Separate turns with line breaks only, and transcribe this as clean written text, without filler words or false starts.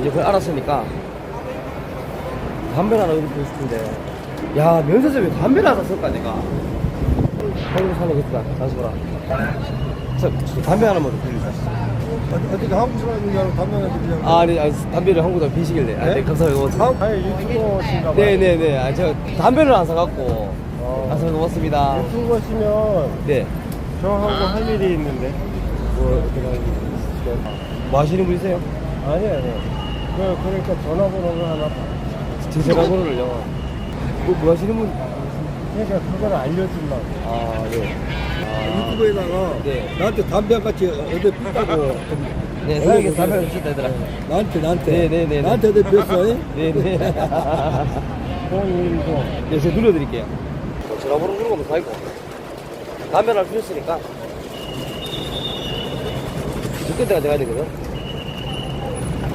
이제 그걸 알았으니까 담배를 하나 이렇게 피우고 싶은데, 야, 면세점에 왜 담배를 하나 샀을까, 내가? 한국 사는 것보다 잠시만라. 저 담배 하나만 좀 빌려주세요.
어떻게 한국 사람이냐고 담배를 그냥.
아니, 담배를 한국에서 피시길래. 네? 감사합니다.
아니 유튜버신가 봐요.
네네네. 저 담배를 안 사갖고. 감사합니다. 고맙습니다.
유튜버시면
네.
저하고 할 일이 있는데. 뭐 어떻게 할 일이 있으시죠?
뭐 하시는 분이세요?
아니. 그러니까 전화번호를 하나.
제 전화번호를요. 뭐 하시는 분?
그러니까 그걸 알려준다고.
아, 네.
유튜브에다가
네.
나한테 담배 한 같이 어디 피다고
네, 사장님께 담배를 주셨다 얘들아.
나한테
네네네.
나한테 어디 피웠어?
네네.
010.
네, 제가 눌러드릴게요. 전화번호 누르면 가있고. 담배를 주셨으니까. 저 끝에가 돼야 되거든.